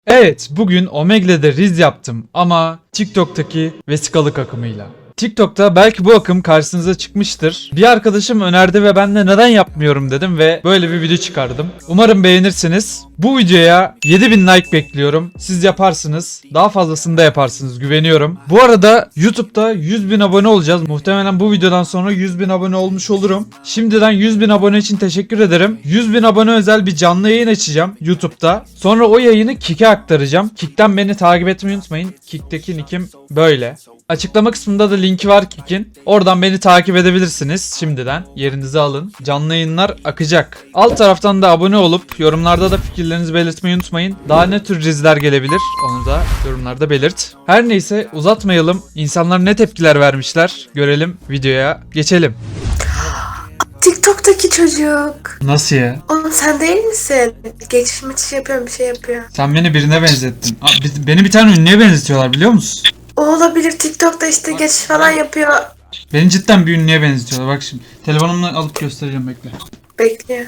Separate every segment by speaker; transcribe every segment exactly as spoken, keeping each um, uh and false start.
Speaker 1: Evet, bugün Omegle'de Riz yaptım ama TikTok'taki vesikalık akımıyla. TikTok'ta belki bu akım karşınıza çıkmıştır. Bir arkadaşım önerdi ve ben de neden yapmıyorum dedim ve böyle bir video çıkardım. Umarım beğenirsiniz. Bu videoya yedi bin like bekliyorum. Siz yaparsınız. Daha fazlasını da yaparsınız, güveniyorum. Bu arada YouTube'da yüz bin abone olacağız. Muhtemelen bu videodan sonra yüz bin abone olmuş olurum. Şimdiden yüz bin abone için teşekkür ederim. yüz bin abone özel bir canlı yayın açacağım YouTube'da. Sonra o yayını Kik'e aktaracağım. Kik'ten beni takip etmeyi unutmayın. Kik'teki nickim böyle. Açıklama kısmında da linki var Kik'in. Oradan beni takip edebilirsiniz şimdiden. Yerinizi alın. Canlı yayınlar akacak. Alt taraftan da abone olup yorumlarda da fikirlerinizi belirtmeyi unutmayın. Daha ne tür diziler gelebilir onu da yorumlarda belirt. Her neyse uzatmayalım. İnsanlar ne tepkiler vermişler görelim, videoya geçelim.
Speaker 2: TikTok'taki çocuk.
Speaker 1: Nasıl ya?
Speaker 2: Oğlum sen değil misin? Geçiş meçiş yapıyorum, bir şey yapıyor.
Speaker 1: Sen beni birine benzettin. Aa, bi- beni bir tane ünlüye benzetiyorlar biliyor musun?
Speaker 2: O olabilir, TikTok'ta işte geçiş falan yapıyor.
Speaker 1: Beni cidden bir ünlüye benzetiyorlar. Bak şimdi telefonumla alıp göstereceğim, bekle.
Speaker 2: Bekliyor.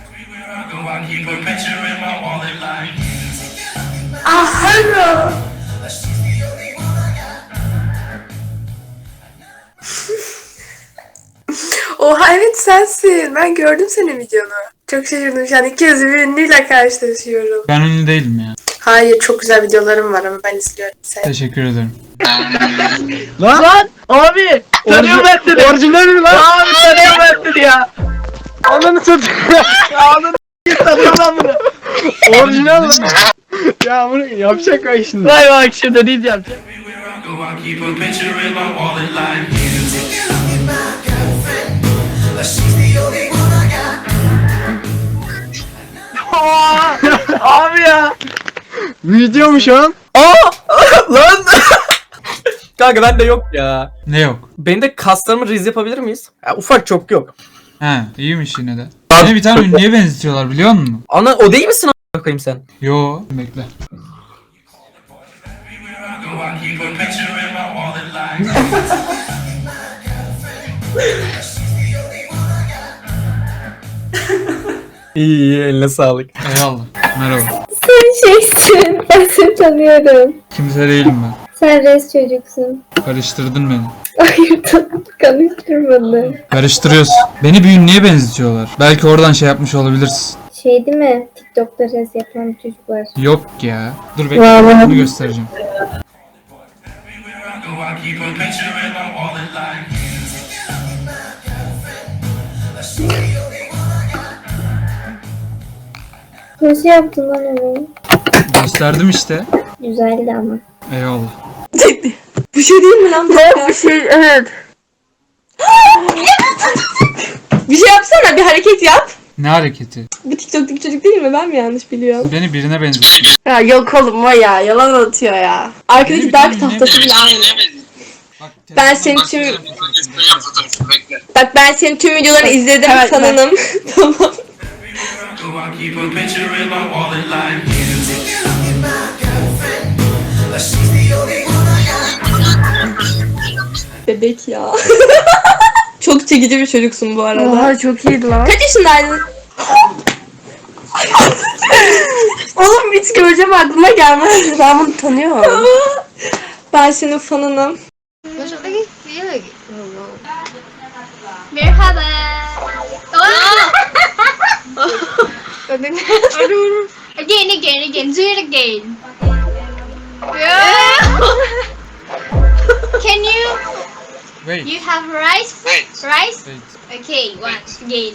Speaker 2: Ah hello. Oha evet sensin. Ben gördüm senin videonu. Çok şaşırdım şu an. İki yüzlü bir ünlüyle karşılaşıyorum.
Speaker 1: Ben ünlü değilim ya.
Speaker 2: Hayır, çok güzel videolarım var ama ben izliyorum seni.
Speaker 1: Teşekkür ederim.
Speaker 3: Lan! Lan! Abi! Tanıyorum ben seni! Orijinal mi lan? Abi tanıyorum ben seni ya! Ananı satayım ya! Ananı s**eyim, tanıyorum lan bunu! Orijinal lan! Ya bunu yapacak bak şimdi. Vay bak şimdi değil yapacak. Abi ya! Video mu şu an?
Speaker 4: Aa! Lan! Kanka bende yok ya.
Speaker 1: Ne yok?
Speaker 4: Benim de kaslarımı riz yapabilir miyiz? Ya, ufak çok yok.
Speaker 1: He, iyiymiş yine de. Beni bir tane ünlüye benzetiyorlar biliyor musun?
Speaker 4: Ana o değil misin a**ına koyayım sen?
Speaker 1: Yo, bekle.
Speaker 4: İyi iyi eline sağlık.
Speaker 1: Eyvallah. Merhaba.
Speaker 5: Sen şeysin, ben seni tanıyorum.
Speaker 1: Kimse değilim ben.
Speaker 5: Sen res çocuksun.
Speaker 1: Karıştırdın beni.
Speaker 5: Hayır, konuşturmadım.
Speaker 1: Karıştırıyorsun. Beni bir ünlüye benzetiyorlar. Belki oradan şey yapmış olabilirsin.
Speaker 5: Şey değil mi? TikTok'ta res yapan bir çocuk var.
Speaker 1: Yok ya. Dur bekle.
Speaker 5: Vallahi.
Speaker 1: Bunu göstereceğim.
Speaker 5: Nasıl yaptın lan onu?
Speaker 1: Gösterdim işte.
Speaker 5: Güzeldi ama.
Speaker 1: Eyvallah.
Speaker 2: Bu şey değil mi lan? Bu şey evet. Bir şey yapsana, bir hareket yap.
Speaker 1: Ne hareketi?
Speaker 2: Bu TikTok'taki çocuk değil mi? Ben mi yanlış biliyorum?
Speaker 1: Beni birine benzetiyor.
Speaker 2: Ya yok oğlum, o ya yalan atıyor ya. Arkadaki
Speaker 1: Benim
Speaker 2: dark
Speaker 1: bir
Speaker 2: tahtası bile aynı.
Speaker 1: Bak,
Speaker 2: Ben senin tüm Bak ben senin tüm videolarını izledim sanırım. Tamam. Bebek ya. Çok çekici bir çocuksun bu arada.
Speaker 5: Oha çok iyiydi lan.
Speaker 2: Kaç yaşındaydın? Oğlum hiç göreceğim aklıma gelmez. Ben bunu tanıyorum. Ben senin fanınım.
Speaker 6: Merhaba. Again, again, again. Do it again. Can you?
Speaker 1: Wait.
Speaker 6: You have rice? Rice?
Speaker 1: Wait.
Speaker 6: Okay, one again.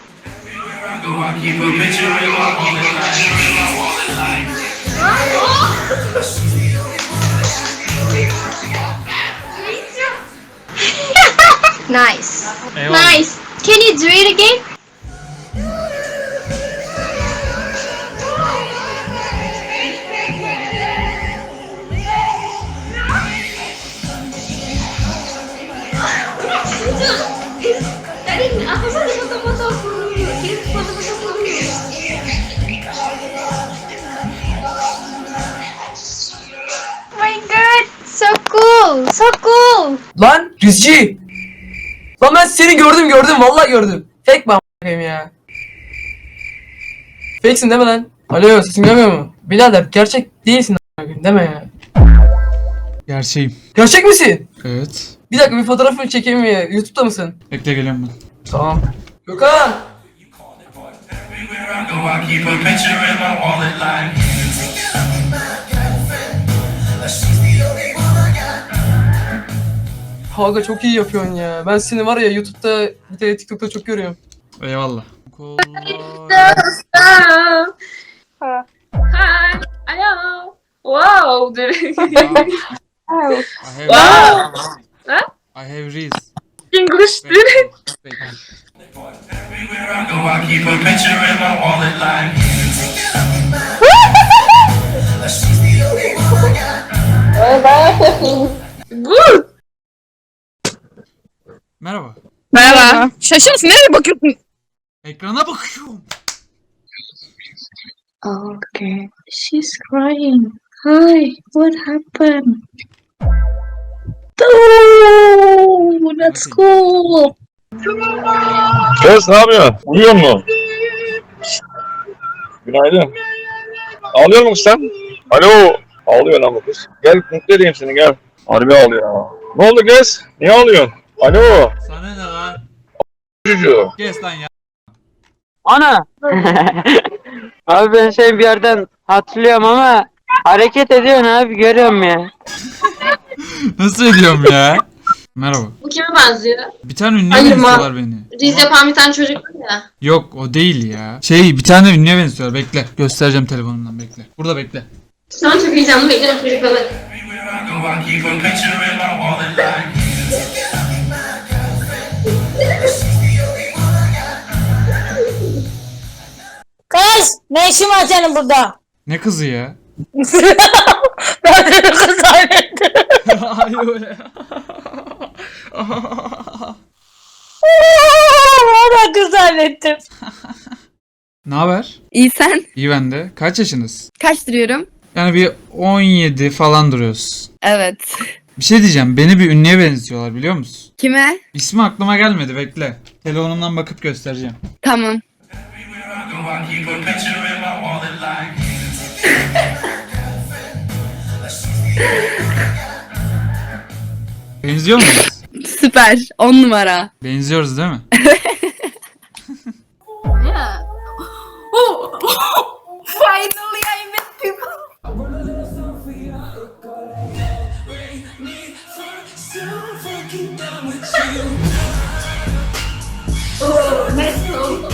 Speaker 6: Nice.
Speaker 1: Eyvallah.
Speaker 6: Nice. Can you do it again? Tadi aku sih di foto-foto kirim foto-foto. Oh my god, so cool, so cool.
Speaker 4: Lan Rizci! Lan ben seni gördüm gördüm vallahi gördüm. Fake mi a**ayım ya? Fake'sin değil mi lan?
Speaker 3: Alo sesin gelmiyor mu? Birader gerçek değilsin a**ın, deme ya.
Speaker 1: Gerçeğim.
Speaker 3: Gerçek misin?
Speaker 1: Evet.
Speaker 3: Bir dakika bir fotoğrafını çekeyim mi? YouTube'da mısın?
Speaker 1: Bekle geliyorum ben.
Speaker 3: Tamam. Gökhan!
Speaker 7: Everywhere I go, I keep a picture in my wallet like.
Speaker 3: Kanka çok iyi yapıyorsun ya. Ben seni var ya YouTube'da bir de TikTok'ta çok görüyorum.
Speaker 1: Eyvallah.
Speaker 6: Hi. Hello. Wow.
Speaker 1: I have,
Speaker 6: Huh?
Speaker 1: I have Riz.
Speaker 6: English.
Speaker 7: Everywhere I go, I keep a picture in my wallet like.
Speaker 6: Good.
Speaker 1: Merhaba.
Speaker 8: Merhaba. Şaşırsın, nereye bakıyorsun?
Speaker 1: Ekrana bakıyorum.
Speaker 6: Okay. She's crying. Hi. What happened? Oh, that's cool.
Speaker 9: Kız ne yapıyorsun? Uyuyor musun? Günaydın. Ağlıyor musun sen? Alo. Ağlıyor lan bu kız. Gel mutlu edeyim seni gel. Harbi ağlıyor. Ne oldu kız? Niye ağlıyorsun? Alo.
Speaker 1: Sana ne lan?
Speaker 9: Çocuğu.
Speaker 1: Kes lan ya.
Speaker 10: Ana! Abi ben seni bir yerden hatırlıyorum ama hareket ediyorsun abi, görüyorum ya.
Speaker 1: Nasıl ediyorum ya? Merhaba.
Speaker 6: Bu kime benziyor?
Speaker 1: Bir tane ünlüye
Speaker 6: Hayır,
Speaker 1: benziyorlar beni.
Speaker 6: Riz yapan bir tane çocuk var ya.
Speaker 1: Yok o değil ya. Şey bir tane ünlüye benziyorlar. Bekle. Göstereceğim telefonumdan bekle. Burada bekle.
Speaker 6: Şu an çok heyecanlı bekliyorum çocukları.
Speaker 7: Everywhere I go, I keep a picture in my wallet like.
Speaker 8: Kız, ne işin var senin burada?
Speaker 1: Ne kızı ya?
Speaker 8: Ben seni kız zannettim.
Speaker 1: Hayır ya.
Speaker 8: Ben kız zannettim.
Speaker 1: Ne haber?
Speaker 8: İyi sen?
Speaker 1: İyi ben de. Kaç yaşınız?
Speaker 8: Kaç duruyorum?
Speaker 1: Yani bir on yedi falan duruyoruz.
Speaker 8: Evet.
Speaker 1: Bir şey diyeceğim. Beni bir ünlüye benziyorlar biliyor musun?
Speaker 8: Kime?
Speaker 1: İsmi aklıma gelmedi bekle. Telefonumdan bakıp göstereceğim.
Speaker 8: Tamam.
Speaker 7: Everywhere I go, I keep a picture in my wallet like.
Speaker 1: Benziyor muyuz?
Speaker 8: Süper. On numara.
Speaker 1: Benziyoruz değil mi?
Speaker 6: Yeah. Oh. Finally I met people. Oh, nice song.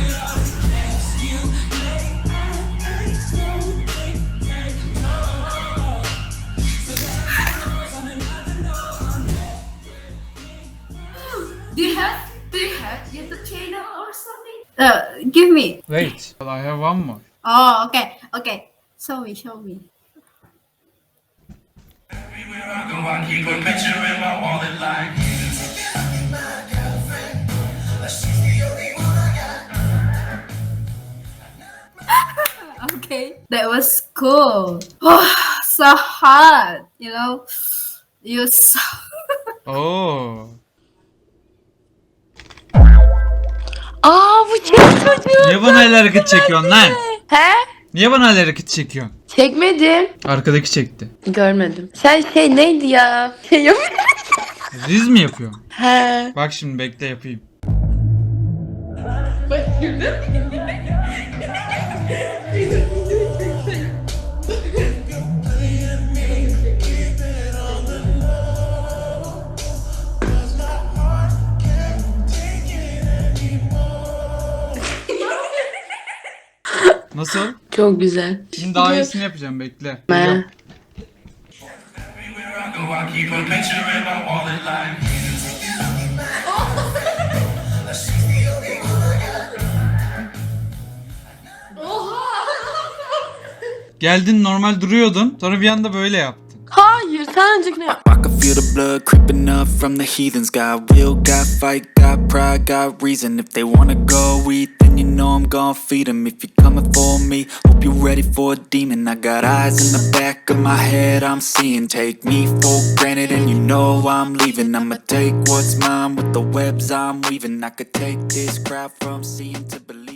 Speaker 6: Do you have do you have YouTube channel or something? Uh, give me.
Speaker 1: Wait. I have one more.
Speaker 6: Oh, okay, okay. Show me, show me.
Speaker 7: Everywhere I go, I keep a picture in my wallet like.
Speaker 6: Okay, that was cool. Oh, so hot, you know. You so.
Speaker 1: Oo.
Speaker 8: Aa bu çek çocuğu.
Speaker 1: Niye bana el hareketi çekiyorsun lan?
Speaker 8: He?
Speaker 1: Niye bana el hareketi çekiyorsun?
Speaker 8: Çekmedim.
Speaker 1: Arkadaki çekti.
Speaker 8: Görmedim. Sen şey neydi ya? Şey yap.
Speaker 1: Riz mi yapıyorum?
Speaker 8: He.
Speaker 1: Bak şimdi bekle yapayım. Nasıl?
Speaker 8: Çok güzel.
Speaker 1: Şimdi daha iyisini yapacağım bekle.
Speaker 8: Ne?
Speaker 7: Everywhere I go, I keep a picture in my wallet like.
Speaker 1: Geldin normal duruyordun. Sonra bir anda böyle yaptın.
Speaker 8: Hayır sen önceki ne yap?
Speaker 11: I can feel the blood creeping up from the heathens. Got will, got fight, got pride, got reason. If they wanna go eat, then you know I'm gon' feed them. If you're coming for me, hope you're ready for a demon. I got eyes in the back of my head, I'm seeing. Take me for granted and you know I'm leaving. I'ma take what's mine with the webs I'm weaving. I could take this crowd from seeing to believing.